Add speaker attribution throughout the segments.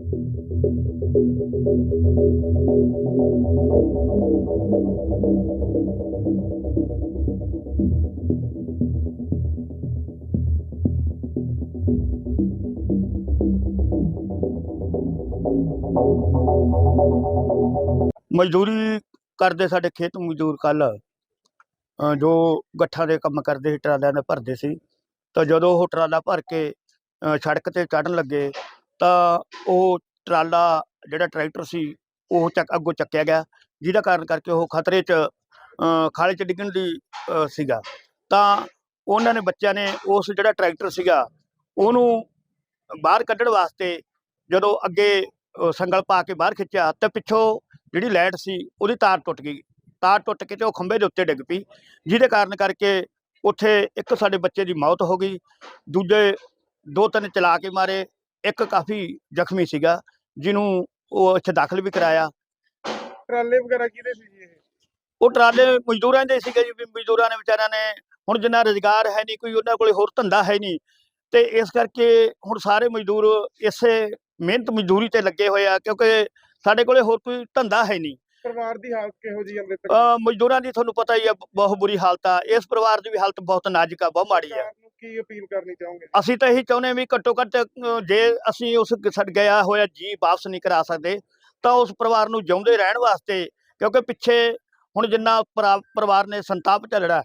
Speaker 1: ਮਜ਼ਦੂਰੀ ਕਰਦੇ ਸਾਡੇ ਖੇਤ ਮਜ਼ਦੂਰ ਕੱਲ੍ਹ ਜੋ ਗੱਠਾਂ ਦੇ ਕੰਮ ਕਰਦੇ ਸੀ, ਟਰਾਲਿਆਂ ਦੇ ਭਰਦੇ ਸੀ। ਤਾਂ ਜਦੋਂ ਉਹ ਟਰਾਲਾ ਭਰ ਕੇ ਸੜਕ 'ਤੇ ਚੜ੍ਹਨ ਲੱਗੇ ਤਾਂ ਉਹ ਟਰਾਲਾ ਜਿਹੜਾ ਟਰੈਕਟਰ ਸੀ ਉਹ ਅੱਗੋਂ ਚੱਕਿਆ ਗਿਆ, ਜਿਹਦਾ ਕਾਰਨ ਕਰਕੇ ਉਹ ਖਤਰੇ 'ਚ ਖਾਲੇ 'ਚ ਡਿੱਗਣ ਦੀ ਸੀਗਾ। ਤਾਂ ਉਹਨਾਂ ਨੇ ਬੱਚਿਆਂ ਨੇ ਉਸ ਜਿਹੜਾ ਟਰੈਕਟਰ ਸੀਗਾ ਉਹਨੂੰ ਬਾਹਰ ਕੱਢਣ ਵਾਸਤੇ ਜਦੋਂ ਅੱਗੇ ਸੰਗਲ ਪਾ ਕੇ ਬਾਹਰ ਖਿੱਚਿਆ ਤਾਂ ਪਿੱਛੋਂ ਜਿਹੜੀ ਲਾਈਟ ਸੀ ਉਹਦੀ ਤਾਰ ਟੁੱਟ ਗਈ। ਤਾਰ ਟੁੱਟ ਕੇ ਤੇ ਉਹ ਖੰਭੇ ਦੇ ਉੱਤੇ ਡਿੱਗ ਪਈ, ਜਿਹਦੇ ਕਾਰਨ ਕਰਕੇ ਉੱਥੇ ਇੱਕ ਸਾਡੇ ਬੱਚੇ ਦੀ ਮੌਤ ਹੋ ਗਈ, ਦੂਜੇ 2-3 ਚਲਾ ਕੇ ਮਾਰੇ, ਇੱਕ ਕਾਫੀ ਜ਼ਖਮੀ ਸੀਗਾ ਜਿਹਨੂੰ ਉਹ ਇੱਥੇ ਦਾਖਲ ਵੀ ਕਰਾਇਆ।
Speaker 2: ਟਰਾਲੇ ਵਗੈਰਾ ਕਿਹਦੇ ਸੀ ਜੀ ਇਹ?
Speaker 1: ਉਹ ਟਰਾਲੇ ਮਜ਼ਦੂਰਾਂ ਦੇ ਸੀਗੇ ਜੀ। ਵੀ ਮਜ਼ਦੂਰਾਂ ਨੇ ਵਿਚਾਰਿਆਂ ਨੇ ਹੁਣ ਜਿੰਨਾ ਰੁਜ਼ਗਾਰ ਹੈ ਨਹੀਂ, ਕੋਈ ਉਹਨਾਂ ਕੋਲੇ ਹੋਰ ਧੰਦਾ ਹੈ ਨਹੀਂ, ਤੇ ਇਸ ਕਰਕੇ ਹੁਣ ਸਾਰੇ ਮਜ਼ਦੂਰ ਇਸੇ ਮਿਹਨਤ ਮਜ਼ਦੂਰੀ ਤੇ ਲੱਗੇ ਹੋਏ ਆ, ਕਿਉਂਕਿ ਸਾਡੇ ਕੋਲੇ ਹੋਰ ਕੋਈ ਧੰਦਾ ਹੈ ਨਹੀਂ।
Speaker 2: ਪਰਿਵਾਰ ਦੀ ਹਾਲਤ ਕਿਹੋ ਜਿਹੀ ਹੈ?
Speaker 1: ਮਜ਼ਦੂਰਾਂ ਦੀ ਤੁਹਾਨੂੰ ਪਤਾ ਹੀ ਆ, ਬਹੁਤ ਬੁਰੀ ਹਾਲਤ ਆ। ਇਸ ਪਰਿਵਾਰ ਦੀ ਵੀ ਹਾਲਤ ਬਹੁਤ ਨਾਜ਼ੁਕ ਆ, ਬਹੁਤ ਮਾੜੀ ਆ।
Speaker 2: ਕੀ ਅਪੀਲ ਕਰਨੀ ਚਾਹੋਗੇ?
Speaker 1: ਅਸੀਂ ਤਾਂ ਇਹੀ ਚਾਹੁੰਦੇ ਵੀ ਘੱਟੋ ਘੱਟ ਜੇ ਅਸੀਂ ਉਸ ਗਿਆ ਹੋਇਆ ਜੀ ਵਾਪਸ ਨਹੀਂ ਕਰਾ ਸਕਦੇ ਤਾਂ ਉਸ ਪਰਿਵਾਰ ਨੂੰ ਜਿਉਂਦੇ ਰਹਿਣ ਵਾਸਤੇ, ਕਿਉਂਕਿ ਪਿੱਛੇ ਹੁਣ ਜਿੰਨਾ ਪਰਿਵਾਰ ਨੇ ਸੰਤਾਪ ਝੱਲਣਾ,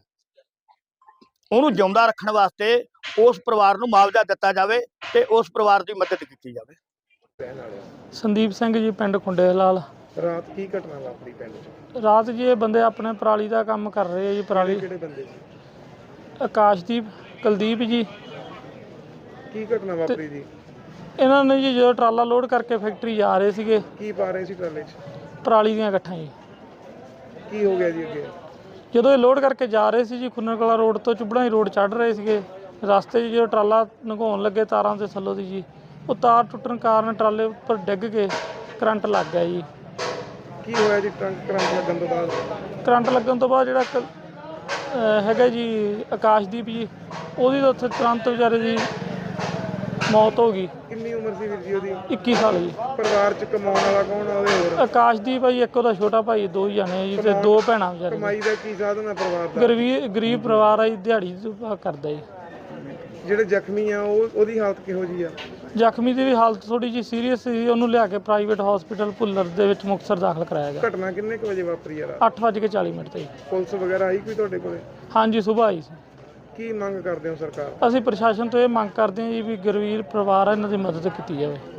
Speaker 1: ਉਹਨੂੰ ਜਿਉਂਦਾ ਰੱਖਣ ਵਾਸਤੇ ਉਸ ਪਰਿਵਾਰ ਨੂੰ ਮੁਆਵਜ਼ਾ ਦਿੱਤਾ ਜਾਵੇ ਤੇ ਉਸ ਪਰਿਵਾਰ ਦੀ ਮਦਦ ਕੀਤੀ ਜਾਵੇ।
Speaker 3: ਸੰਦੀਪ ਸਿੰਘ ਜੀ, ਪਿੰਡ ਖੁੰਡੇ ਲਾਲ।
Speaker 2: ਰਾਤ ਕੀ ਘਟਨਾ ਵਾਪਰੀ ਪਿੰਡ 'ਚ?
Speaker 3: ਰਾਤ ਜੀ ਇਹ ਬੰਦੇ ਆਪਣੇ ਪਰਾਲੀ ਦਾ ਕੰਮ ਕਰ ਰਹੇ ਆ ਜੀ। ਪਰਾਲੀ
Speaker 2: ਕਿਹੜੇ ਬੰਦੇ ਸੀ?
Speaker 3: ਆਕਾਸ਼ਦੀਪ, ਕੁਲਦੀਪ ਜੀ।
Speaker 2: ਕੀ ਘਟਨਾ ਵਾਪਰੀ ਜੀ?
Speaker 3: ਇਹਨਾਂ ਨੇ ਜੀ ਜਦੋਂ ਟਰਾਲਾ ਲੋਡ ਕਰਕੇ ਫੈਕਟਰੀ ਜਾ ਰਹੇ ਸੀਗੇ,
Speaker 2: ਕੀ ਪਾ ਰਹੇ ਸੀ ਟਰਾਲੇ 'ਚ?
Speaker 3: ਪਰਾਲੀ ਦੀਆਂ ਗੱਠਾਂ ਜੀ।
Speaker 2: ਕੀ ਹੋ ਗਿਆ ਜੀ ਅੱਗੇ?
Speaker 3: ਜਦੋਂ ਇਹ ਲੋਡ ਕਰਕੇ ਜਾ ਰਹੇ ਸੀ ਜੀ, ਖੁੰਨਰ ਕਲਾਂ ਰੋਡ ਤੋਂ ਚੁੱਬੜਾਂ ਰੋਡ ਚੜ੍ਹ ਰਹੇ ਸੀਗੇ, ਰਸਤੇ 'ਚ ਜਦੋਂ ਟਰਾਲਾ ਲੰਘਾਉਣ ਲੱਗੇ ਤਾਰਾਂ ਦੇ ਥੱਲੋਂ ਦੀ ਜੀ, ਉਹ ਤਾਰ ਟੁੱਟਣ ਕਾਰਨ ਟਰਾਲੇ ਉੱਪਰ ਡਿੱਗ ਕੇ ਕਰੰਟ ਲੱਗ ਗਿਆ ਜੀ।
Speaker 2: ਕੀ ਹੋਇਆ ਜੀ ਕਰੰਟ ਲੱਗਣ ਤੋਂ ਬਾਅਦ?
Speaker 3: ਕਰੰਟ ਲੱਗਣ ਤੋਂ ਬਾਅਦ ਜਿਹੜਾ ਹੈਗਾ ਜੀ ਆਕਾਸ਼ਦੀਪ ਜੀ, ਉਹਦੀ ਤਾਂ ਉੱਥੇ ਤੁਰੰਤ ਵਿਚਾਰੇ ਦੀ ਮੌਤ ਹੋ ਗਈ।
Speaker 2: ਕਿੰਨੀ ਉਮਰ ਸੀ ਵੀਰ ਜੀ ਉਹਦੀ?
Speaker 3: 21 ਸਾਲ ਜੀ।
Speaker 2: ਪਰਿਵਾਰ 'ਚ ਕਮਾਉਣ ਵਾਲਾ ਕੌਣ ਆ ਉਹਦੇ? ਹੋਰ
Speaker 3: ਆਕਾਸ਼ਦੀਪ ਆ ਜੀ, ਇੱਕ ਉਹਦਾ ਛੋਟਾ ਭਾਈ, 2 ਜਣੇ ਜੀ, ਤੇ 2 ਭੈਣਾਂ ਵਿਚਾਰੇ।
Speaker 2: ਕਮਾਈ ਦਾ ਕੀ ਸਾਧਨ ਹੈ ਪਰਿਵਾਰ ਦਾ?
Speaker 3: ਗਰੀਬ ਪਰਿਵਾਰ ਆ ਜੀ, ਦਿਹਾੜੀ ਕਰਦਾ ਜੀ।
Speaker 2: ਜਿਹੜੇ ਜ਼ਖਮੀ ਆ ਉਹਦੀ ਹਾਲਤ ਕਿਹੋ ਜਿਹੀ ਆ?
Speaker 3: ਜ਼ਖਮੀ ਦੀ ਵੀ ਹਾਲਤ ਥੋੜੀ ਜਿਹੀ ਸੀਰੀਅਸ ਸੀ, ਉਹਨੂੰ ਲਿਆ ਕੇ ਪ੍ਰਾਈਵੇਟ ਹਸਪੀਟਲ ਭੁੱਲਰ ਦੇ ਵਿੱਚ ਮੁਕਤਸਰ ਦਾਖਲ ਕਰਾਇਆ ਗਿਆ।
Speaker 2: ਘਟਨਾ ਕਿੰਨੇ ਕੁ ਵਜੇ ਵਾਪਰੀ ਆ?
Speaker 3: 8:40 ਤੇ।
Speaker 2: ਪੁਲਿਸ ਵਗੈਰਾ ਆਈ ਕੋਈ ਤੁਹਾਡੇ ਕੋਲੇ?
Speaker 3: ਹਾਂਜੀ, ਸੁਬਾਹ ਆਈ ਸੀ।
Speaker 2: ਕੀ ਮੰਗ ਕਰਦੇ ਹੋ ਸਰਕਾਰ?
Speaker 3: ਅਸੀਂ ਪ੍ਰਸ਼ਾਸਨ ਤੋਂ ਇਹ ਮੰਗ ਕਰਦੇ ਹਾਂ ਜੀ ਵੀ ਗਰੀਬ ਪਰਿਵਾਰ ਆ, ਇਹਨਾਂ ਦੀ ਮਦਦ ਕੀਤੀ ਜਾਵੇ।